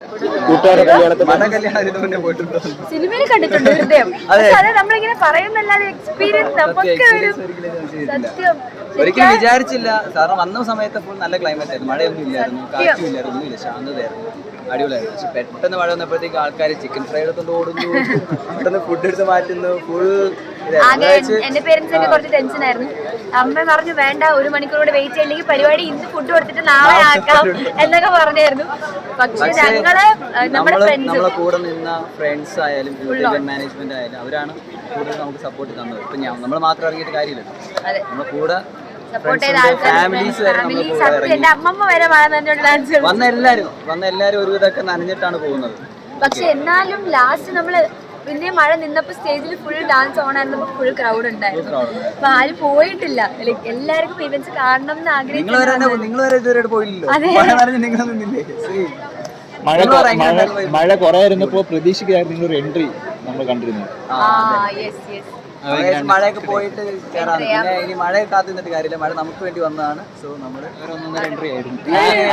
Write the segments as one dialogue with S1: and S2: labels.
S1: സിനിമയിൽ കണ്ടിട്ടുണ്ട് ഹൃദയം. അതെ, നമ്മളിങ്ങനെ പറയുന്നല്ലാതെ എക്സ്പീരിയൻസ് നമുക്ക് സത്യം
S2: ഒരിക്കലും വിചാരിച്ചില്ല. കാരണം വന്ന സമയത്ത് ഫുൾ നല്ല ക്ലൈമറ്റ് ആയിരുന്നു, മഴയൊന്നും ഇല്ലായിരുന്നു, കാറ്റും ഇല്ലായിരുന്നു, ഒന്നുമില്ല, ശാന്തതയായിരുന്നു, അടിപൊളിയായിരുന്നു. പക്ഷെ പെട്ടെന്ന് മഴ വന്നപ്പോഴത്തേക്ക് ആൾക്കാർ ചിക്കൻ ഫ്രൈ എടുത്തോണ്ട് ഓടുന്നു, പെട്ടെന്ന് ഫുഡ് എടുത്ത് മാറ്റുന്നു, ഫുൾ.
S1: എന്റെ പേരൻസ് ഒക്കെ കുറച്ച് ടെൻഷൻ ആയിരുന്നു. അമ്മ പറഞ്ഞു വേണ്ട, 1 മണിക്കൂർ കൂടെ വെയിറ്റ് ചെയ്യില്ലെങ്കിൽ പരിപാടി ഇന്ന് ഫുഡ് കൊടുത്തിട്ട് നാളെ ആക്കാം എന്നൊക്കെ പറഞ്ഞായിരുന്നു. പക്ഷെ ഞങ്ങള്
S2: നമ്മളെ കൂടെ നിന്ന ഫ്രണ്ട്സ് ആയാലും മാനേജ്മെന്റ് ആയാലും അവരാണ് കൂടുതൽ നമുക്ക് സപ്പോർട്ട് തന്നത്. ഇപ്പൊ നമ്മൾ മാത്രം ഇറങ്ങിയിട്ട് കാര്യമില്ലല്ലോ, നമ്മളെ കൂടെ ഫാമിലീസ് വരെ വന്ന എല്ലാരും ഒരുവിധമൊക്കെ നനഞ്ഞിട്ടാണ് പോകുന്നത്.
S1: പക്ഷെ എന്നാലും ലാസ്റ്റ് നമ്മള് പിന്നെ മഴ നിന്നപ്പോ സ്റ്റേജിൽ ഫുൾ ഡാൻസ് ഓൺ ആയിരുന്നപ്പോ ഫുൾ ക്രൗഡ് ഉണ്ടായിരുന്നു. അപ്പൊ ആരും പോയിട്ടില്ല. എല്ലാവർക്കും ഇവന്റ്സ് കാണണം എന്ന്
S3: മഴ കുറയായിരുന്നപ്പോ പ്രതീക്ഷിക്കായിരുന്നു നിങ്ങളൊരു എൻട്രി നമ്മൾ കണ്ടിരുന്നു.
S2: മഴയൊക്കെ പോയിട്ട് കയറാൻ, പിന്നെ ഇനി മഴയെ കാത്തു നിന്നിട്ട് കാര്യമില്ല, മഴ നമുക്ക് വേണ്ടി വന്നതാണ്. സോ നമ്മള് ഒരു എൻട്രി ആയിരുന്നു.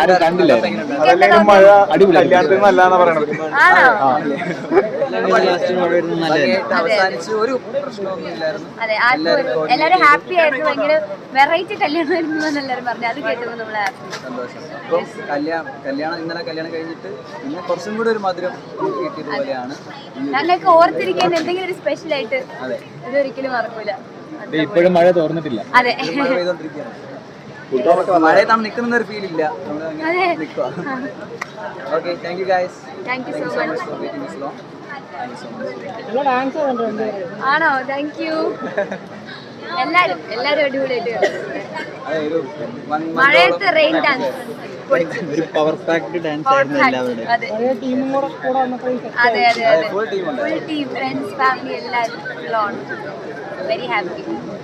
S2: അവസാനിച്ച് ഒരു പ്രശ്നമൊന്നും ഇല്ലായിരുന്നു.
S1: എല്ലാരും ഹാപ്പി ആയിരുന്നു. ഭയങ്കര വെറൈറ്റി കല്യാണമായിരുന്നു എല്ലാരും പറഞ്ഞു. അത് കേട്ടപ്പോ നമ്മള്
S2: സന്തോഷം. അപ്പം ഇന്നലെ കല്യാണം കഴിഞ്ഞിട്ട് പിന്നെ കുറച്ചും കൂടി ഒരു മധുരം കിട്ടിയതുപോലെയാണ്.
S1: ഞങ്ങൾക്ക് ഓർത്തിരിക്കാൻ എന്തെങ്കിലും ഒരു സ്പെഷ്യൽ ആയിട്ട് ഇതൊരിക്കലും മറക്കൂല.
S3: ഇപ്പോഴും മഴ തോർന്നിട്ടില്ല.
S1: അതെ,
S2: മഴയത്താണ് നിൽക്കുന്ന ഒരു ഫീൽ ഇല്ല. Okay, thank you guys.
S1: Thank you so much. ആണോ? Thank you. എല്ലാരും അടിപൊളിയായിട്ട് മഴയത്ത് റെയിൻ ഡാൻസ്,
S3: ഒരു പവർ പാക്ഡ് ഡാൻസ് ആയിരുന്നു എല്ലാവരുടെയും.
S1: അതെ, ഫുൾ ടീം, ഫ്രണ്ട്സ്, ഫാമിലി എല്ലാവരും. Very happy.